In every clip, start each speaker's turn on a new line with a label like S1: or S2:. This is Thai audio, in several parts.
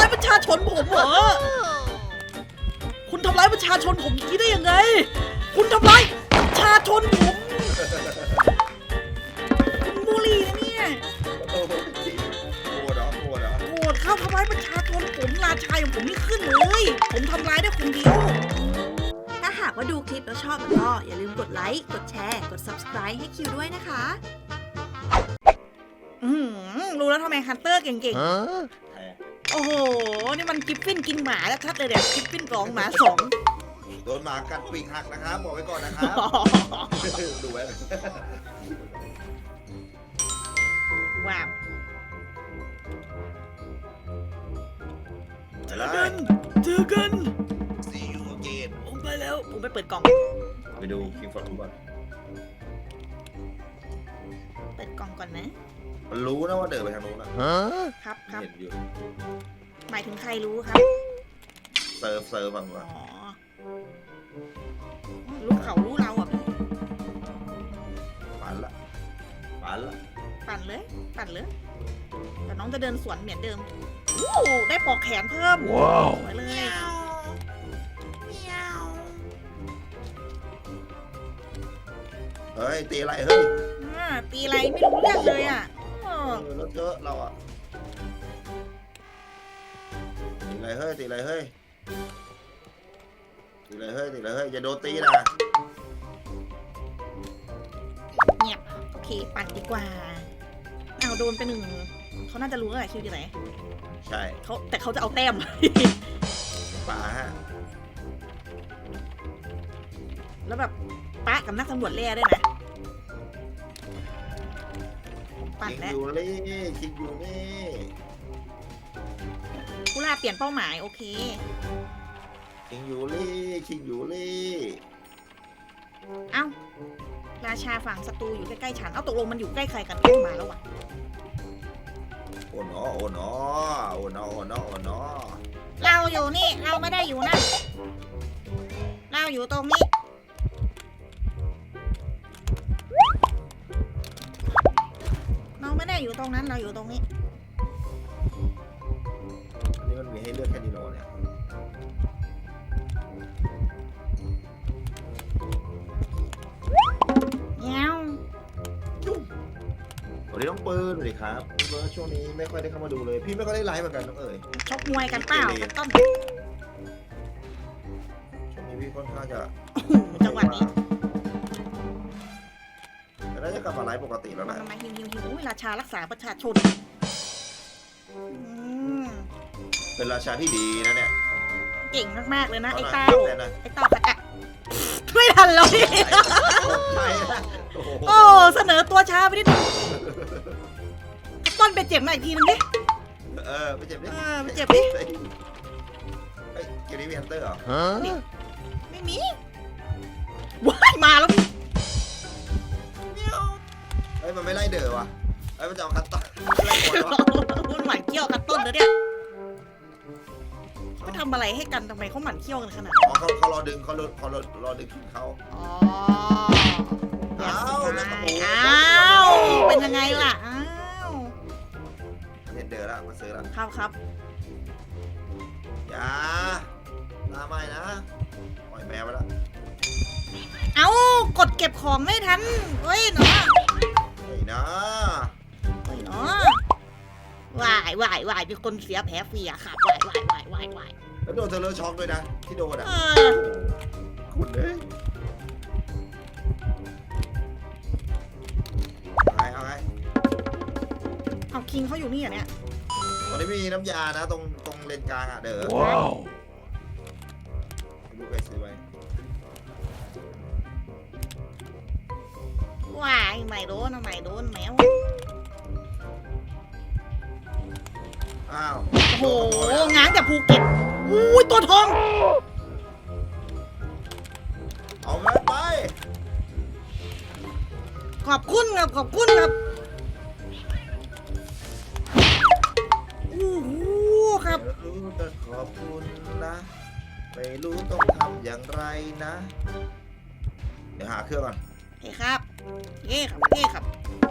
S1: ายประชาชนผมเหรอคุณทำร้ายประชาชนผมอย่างนี้ได้ยังไงคุณทำร้ายประชาชนผมบุรีเนี่ย
S2: โกรธเหรอ
S1: โกรธเข้าทำร้ายประชาชนผมราชาอย่างผมไม่ขึ้นเลยผมทำร้ายได้คนเดียวถ้าหากว่าดูคลิปแล้วชอบก็อย่าลืมกดไลค์กดแชร์กด Subscribe ให้คิวด้วยนะคะรู้แล้วทำไมฮันเตอร์เก่งๆโอ้โหนี่มันกิฟฟินกินหมาแล้วชัดเลยเนี่ยกิฟฟิน2หมา2
S2: โดนหมากัดปีกหักนะครับบอกไว้ก่อนนะครับดูไว้
S1: ว้าวเจอกัน
S2: ซีอูเกน
S1: ผมไปแล้วผมไปเปิดกล่อง
S2: ไปดูคิงฟอร์ดก่อน
S1: เปิดกล่องก่อนนะ
S2: มันรู้นะว่าเดินไปทางโน้น
S1: ครับ
S2: เห็นอยู่
S1: หมายถึงใครรู้ครับ
S2: เซิร์ฟบ้างวะ
S1: รู้เขารู้เราอ่ะพี่
S2: ปั่นเลย
S1: ปั่นเลยแต่น้องจะเดินสวนเหมือนเดิมได้ปอกแขนเพิ่ม
S2: ว้าว
S1: ไปเลย
S2: เฮ้ยตีอะไรเฮ้ย
S1: ตีอะไรไม่รู้เรื่องเลยอ่ะ
S2: แล้วเจอเราอ่ะตีอะไรเฮ้ยอย่าโดนตีนะ
S1: เงียบโอเคปั่นดีกว่าเอาโดนไป1เขาน่าจะรู้แล้วแหละคิวอยู่ไหน
S2: ใช่
S1: แต่เขาจะเอาแต้ม
S2: ป่าฮะ
S1: แล้วแบบปะกับนักตำรวจแร่ได้ไหมปั่นแล้ว
S2: คิดอยู่นี่
S1: กุลาเปลี่ยนเป้าหมายโอเค
S2: คิดอยู่
S1: เอ้าราชาฝั่งศัตรูอยู่ใกล้ๆฉันเอ้าตกลงมันอยู่ใกล้ใครกันเข้ามาแล้ววะ
S2: โอ้โน
S1: เราอยู่นี่เราไม่ได้อยู่นั่นเราอยู่ตรงนี้เราไม่ได้อยู่ตรงนั้นเราอยู่ตรงนี้
S2: อันนี้มันมีให้เลือกแค่นี้หรอเนี่ยวันนี้ต้องปืนเลยครับเมื่อช่วงนี้ไม่ค่อยได้เข้ามาดูเลยพี่ไม่ค่อยได้ไลฟ์เหมือนกันน้องเอ๋ย
S1: ชกมวยกันเปล่าต้น
S2: ช่วงนี้พี่ค่อนข้างจะ
S1: จังหวะนี้
S2: แต่น่าจะกลับมาไลฟ์ปกติแล้วแหละ
S1: มาฮิวราชารักษาประชาชน
S2: เป็นราชาที่ดีนะเนี่ย
S1: เก่งมากๆเลยนะไอ้เต้าขัดอะไม่ทันเลยโอ้เสนอตัวช้าไปนิดนึงต้นไปเจ็บหน่อยอีกทีนึงดิ
S2: ไปเจ็บดิ
S1: เ
S2: ฮ้ยเกมนี้มีฮันเตอร์เหรอ
S1: ไม่มีว้ายมาแล้ว
S2: เฮ้ยมันไม่ไล่เด๋อวะเฮ้ยมันจะเอาคัตต้น
S1: มันหมั่นเขี้ยวกันต้นเลยเนี่ยเขาทำอะไรให้กันทำไมเขาหมั่นเขี้ยวกันขนาด
S2: นั้นเขารอดึงเขารอดึงเขา
S1: เป็นยังไงล่ะ
S2: เห็นเด๋อแล้วมาซื้อแล้ว
S1: ครับ
S2: อย่าลาไม่นะปล่อยแมวไปแล้ว
S1: กดเก็บของไม่ทันเฮ้ยเนาะวายเป็นคนเสียแผลเฟียค่ะวาย
S2: แล้วโดนเทเลอร์ช็อกด้วยนะที่โดนคุณเลย
S1: เอาคิงเขาอยู่นี่อ่ะเนี่ย
S2: ตอนนี้มีน้ำยานะตรงเลนกลางอ่ะเด้อ
S1: ว้าว
S2: ดูไปซื้อไว้
S1: ว้ายไม่โดนแมว
S2: อ้าว
S1: โอ้โหง้างแต่ภูเก็ตอุ้ยตัวทอง
S2: เอาเงินไป
S1: ขอบคุณครับโอ้โหครับ
S2: รู้แต่ขอบคุณนะไม่รู้ต้องทำอย่างไรนะเดี๋ยวหาเครื่องก่อน
S1: เฮ้ครับ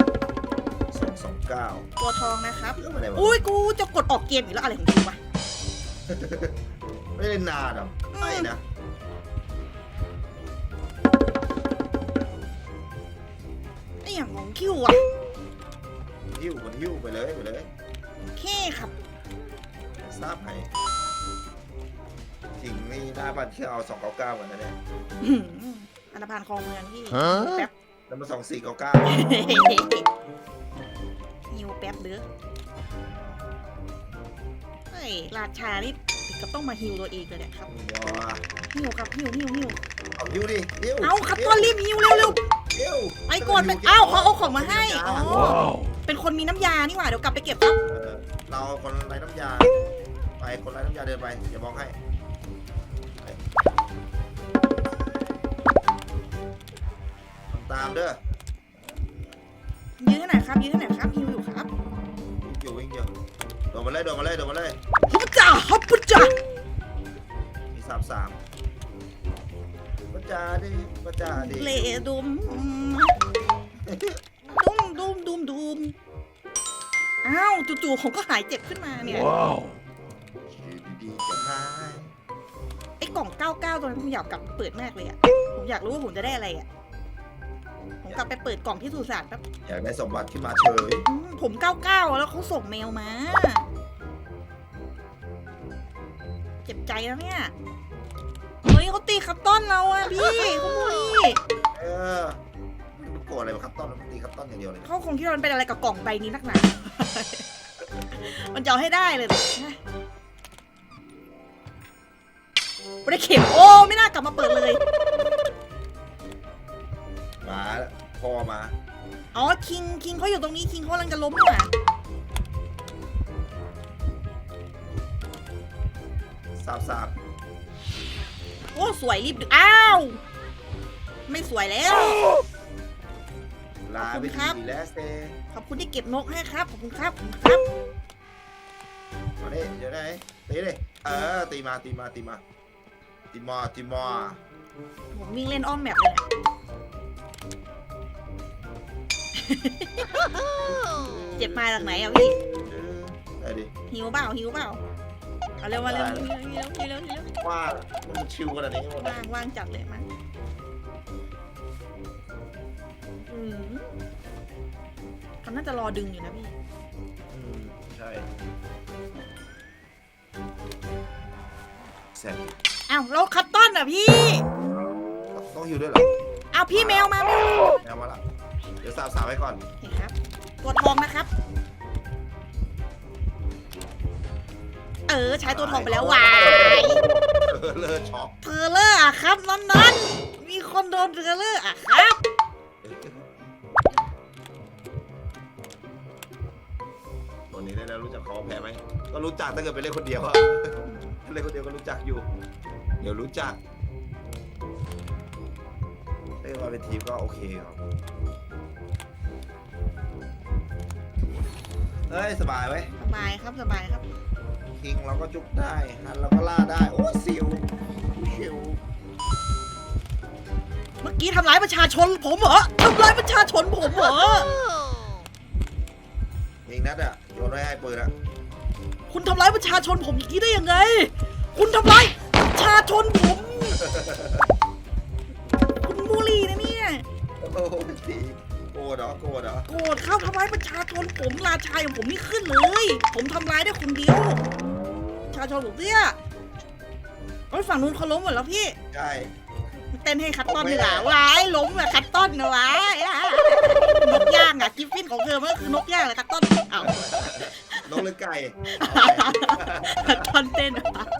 S2: 229
S1: ตัวทองนะครับอุ้ยกูจะกดออกเกมอีกแล้วอะไรของกูวะ
S2: ไม่ได้นานหรอกไม่นะ
S1: ไอ้อย่างของคิวอ่ะ
S2: หิ้วไปเลย
S1: โอเคครับ
S2: ทราบไหมจริงนี่หน้าบ้านเที่ยวเอา299เหมือนกันเนี่ย
S1: อื้อหืออันธพาลคลองเมืองพี่แป๊บ
S2: แล้วมา2499
S1: หิวแป๊บเด้อเฮ้ยราชานี่ถึงกับต้องมาฮิวตัวเองเลยเนี่ยครับ
S2: ว้า
S1: ฮิวครับฮิว
S2: เอาหิ้วดิหิ้ว
S1: เอาครับต้นรีบฮิวเร็ว
S2: หิ้ว
S1: ๆไปก่อนไปเอ้าเขาเอาของมาให้อ๋อเป็นคนมีน้ำยานี่หว่าเดี๋ยวกลับไปเก็บครับ
S2: เราคนไร้น้ำยาไปคนไร้น้ำยาเดินไปอย่ามองให้ไปทำตามเด้อ
S1: ยื้อหน่อยครับฮิวอยู่ครับ
S2: วิ่งอยู่โดดมาเลย
S1: ฮับจ่า
S2: มี33ประจาดิ
S1: เลดุมดุมอ้าวจู่ๆผมก็หายเจ็บขึ้นมาเนี่ย
S2: ดีๆจะหาย
S1: ไอ้กล่อง 99 ตัวนั้นผมอยากกลับเปิดมากเลยอ่ะผมอยากรู้ว่าผมจะได้อะไรอ่ะผมกลับไปเปิดกล่องที่สุสานแป๊บ
S2: อยากได้สมบัติขึ้นมาเฉย
S1: ผม 99 แล้วเขาส่งเมลมา เจ็บใจแล้วเนี่ย เฮ้ยเขาตีคัตต้อนเราอ่ะพี่เขาบุรี
S2: มันโกรธอะไรมาคัตตอนมันตีคัตตอนอย่างเดียวเลย
S1: เขาคงคิดว่ามันเป็นอะไรกับกล่องใบนี้นักหนา มันจะเอาให้ได้เลยไม่ได้เข็มโอ้ไม่น่ากลับมาเปิดเลย
S2: มาแล้วพ่อมา
S1: อ๋อคิงเขาอยู่ตรงนี้คิงเขากำลังจะล้มนี่หว่า
S2: 33
S1: โอ้สวยรีบดึกอ้าว ไม่สวยแล้ว
S2: ลาไป
S1: ขอบคุณครับ
S2: ดีแล้วเซ
S1: ขอบคุณที่เก็บนกให้ครับขอบคุณครับ
S2: มาดิเดี๋ยวไหนตีดิตีมา
S1: ผมวิ่งเล่นอ้อมแมปเลยเนี่ย เจ็บมาจากไหนอ่ะพี่
S2: ได้ดิ
S1: หิวเปล่าเอาเร็วมาเร็ว
S2: ว่ามันชิวขนาดนี้หมด
S1: ว่างจัดเลยมาเขาน่าจะรอดึงอยู่นะพี่
S2: ใช่เสร็จ
S1: อ้าวแล้วคัตตอนอ่ะพี่
S2: ต้องหิวด้วยเหรอ
S1: อ้าวพี่แมวมา
S2: แมวมาละเดี๋ยวสาวไว้ก่อน
S1: เห็นครับ ตัวทองนะครับ ใช้ตัวทองไปแล้ววาย
S2: เลิศช็อก
S1: เทเลอร์อะครับนั่นมีคนโดนเทเลอร์อะครับ
S2: ตัวนี้ได้แล้วรู้จักคอแพ้ไหมก็รู้จักถ้าเกิดไปเล่นคนเดียวอะเล่นคนเดียวก็รู้จักอยู่เดี๋ยวรู้จักเล่นมาเป็นทีมก็โอเคครับเฮ้ยสบายไหม
S1: สบายครับ
S2: คิงเราก็จุกได้ฮันเราก็ล่าได้โอ้ซิวชิว
S1: เมื่อกี้ทำร้ายประชาชนผมเหรอทำร้ายประชาชนผมเหรอ
S2: ยิงนัดอะโยนไว้ให้ปืนอะ
S1: คุณทำร้ายประชาชนผมอย่างนี้ได้ยังไง คุณทำร้ายประชาชนผม คุณบุรีนะเนี่ย
S2: โอ้โหทีโกรธเหรอ
S1: โกรธเข้าทำร้ายประชาชนผมราชาอย่างผมนี่ขึ้นเลย ผมทำร้ายได้คนเดียวประชาชนผมเนี่ยโอ้ยฝั่งนู้นเขาล้มหมดแล้วพี่
S2: ใช่
S1: เต้นให้คัตตอนดีกว่าว้ายล้มอะคัตตอนนะว้ายนกย่างอะกิฟฟินของเธอมันก็คือนกย่างแหละคัตตอนเอ้าน
S2: กหรือไก่
S1: คัตตอนเต้นอะ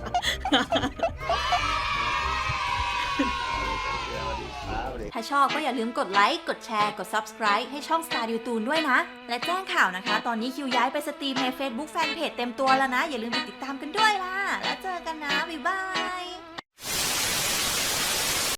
S3: ถ้าชอบก็อย่าลืมกดไลค์ กดแชร์ กด Subscribe ให้ช่อง Star ดิวตูนด้วยนะ และแจ้งข่าวนะคะ ตอนนี้คิวย้ายไปสตรีมใน Facebook Fanpage เต็มตัวแล้วนะ อย่าลืมไปติดตามกันด้วยล่ะ แล้วเจอกันนะ บ๊ายบาย